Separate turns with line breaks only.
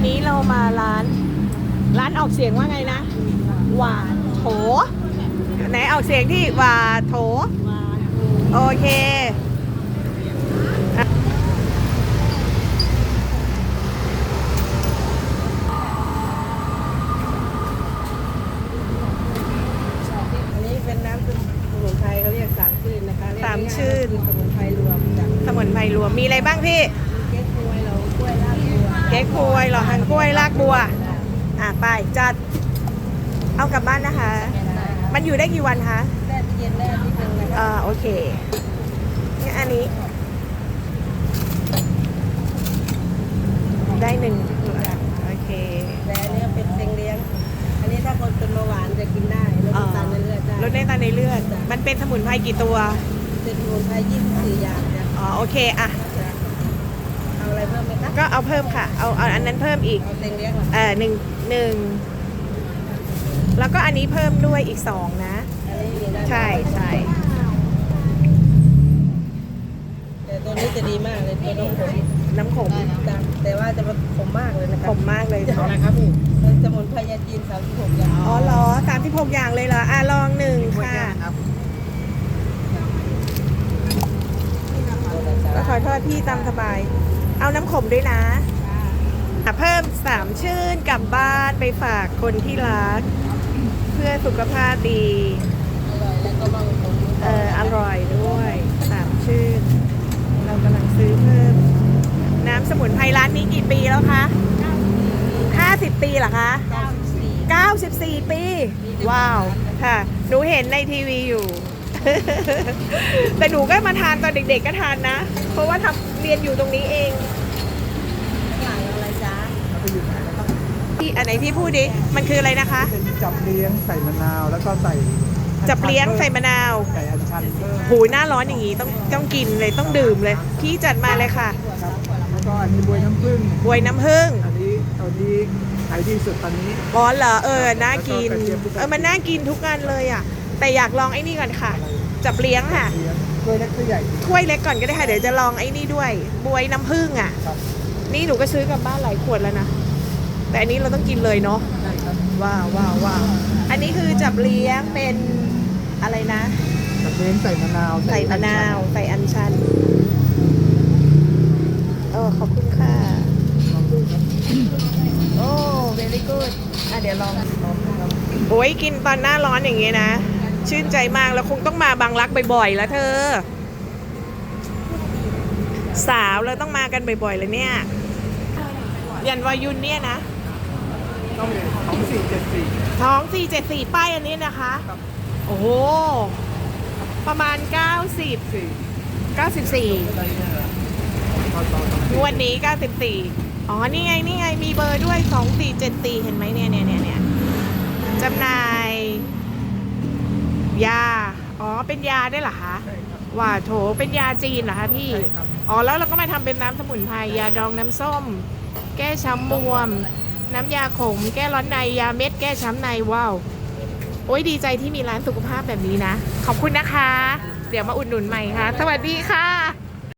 นี้เรามาร้านออกเสียงว่าไงนะหวาโถไหนออกเสียงที่หวาโถโอเค
อันนี้เป็นน้ำสมุนไพรเขาเรียกสามชื่นนะคะ
สามชื่น
สมุนไพรรวมจาก
สมุนไพรรวมมีอะไรบ้างพี่
เก๊กฮวยเรากล้วยลาบบัว
เก๊กฮวยหล่อหันกล้วยรากบัวไปจัดเอากลับบ้านนะคะ มันอยู่ได้กี่วันคะ
แช่เย็นได้นิดนึงนะคะ
โอเคนี่อันนี้ได้หนึ่งโอเค
แต่อันนี้เป็นเซ็งเลี้ยงอันนี้ถ้าคนเป็นเบาหวานจะกินได้ลดน้ำตาลในเลือดได้
ลดน้ำตาลในเลือดมันเป็นสมุนไพรกี่ตัว
เป็นสมุนไพร24อย่างจ้ะ
โอเคอะ
เอาอะไรเพิ่มไหมคะ
ก็เอาเพิ่มค่ะเอาอันนั้นเพิ่มอีก
เอาเซ็งเลี้ยงเหรอ
หนึ่งแล้วก็อันนี้เพิ่มด้วยอีกสองนะ
อันนี้มีได้
ใช่
แต่ตัวนี้จะดีมากเลยตัวน้ำขม
น้ำขม
แต่ว่าจะขมมากเลยนะค
ข
รับ
มมากเลย
เอาอะไรครับพี่เป็นสมุนไพรยาจีน36อย่าง
เหรอ36อย่างเลยเหรอลองหนึ่งค่ะก็ขอโทษพี่ตามสบายเอาน้ำขมด้วยนะเพิ่ม3ชื่นกลับบ้านไปฝากคนที่รักเพื่อสุขภาพดี
อร่อยแล้วก็บางคน
อร่อยด้วย3ชื่นเรากำลังซื้อเพิ่มน้ำสมุนไพรร้านนี้กี่ปีแล้วคะ50 ปีเหรอคะ94 ปี ว้าวค่ะหนูเห็นในทีวีอยู่ แต่หนูก็มาทานตอนเด็กๆก็ทานนะเพราะว่าเรียนอยู่ตรงนี้เอง
ข้างหลังอะไรจ๊ะ
พี่อันไหนพี่พูดดิมันคืออะไรนะคะ
เป็นจับเลี้ยงใส่มะนาวแล้วก็ใส่
จับเลี้ยงใส่มะนาว
ใส่อัญชันเพิ่ม
หูหน้าร้อนอย่างนี้ต้องกินเลยต้องดื่มเลยพี่จัดมาเลยค่ะ
ครับแล้วก็อันนี้บวยน้ำผึ้ง
บวยน้ำผึ้ง
อันนี้ขายดีสุดตอนนี้
เหรอน่ากินมันน่ากินทุกงานเลยอ่ะแต่อยากลองไอ้นี่ก่อนค่ะจับเลี้ยงค่ะ
เลี้ยงถ้วยเล็กถ้วยใหญ่
ถ้วยเล็กก่อนก็ได้ค่ะเดี๋ยวจะลองไอ้นี่ด้วยบวยน้ำผึ้งอ่ะ
ครับ
นี่หนูก็ซื้อกลับบ้านหลายขวดแล้วนะแต่อันนี้เราต้องกินเลยเนาะ
ใช่ครับ
ว้าวอันนี้คือจับเลี้ยงเป็นอะไรนะ
จับเลี้ยงใส่มะนาว
ใส่มะนาวใส่อัญชันขอบคุณค่ะโอ้ very good เดี๋ยวลองโอ้ยกินตอนหน้าร้อนอย่างเงี้ยนะชื่นใจมากแล้วคงต้องมาบางรักบ่อยๆแล้วเธอสาวเราต้องมากันบ่อยๆเลยเนี่ยยันวายุนเนี่ยนะ
ต้องเลย2474
ท้อง474ป้ายอันนี้นะคะโอ้โหประมาณ94งวดนี้94นี่ไงมีเบอร์ด้วย2474เห็นไหมเนี่ยจำหน่ายยาเป็นยาได้เหรอคะว่าโถเป็นยาจีนเหรอคะพี่แล้วเราก็มาทำเป็นน้ำสมุนไพรยาดองน้ำส้มแก้ช้ำบวมน้ำยาขมแก้ร้อนในยาเม็ดแก้ช้ำในว้าวโอ้ยดีใจที่มีร้านสุขภาพแบบนี้นะขอบคุณนะคะเดี๋ยวมาอุดหนุนใหม่ค่ะสวัสดีค่ะ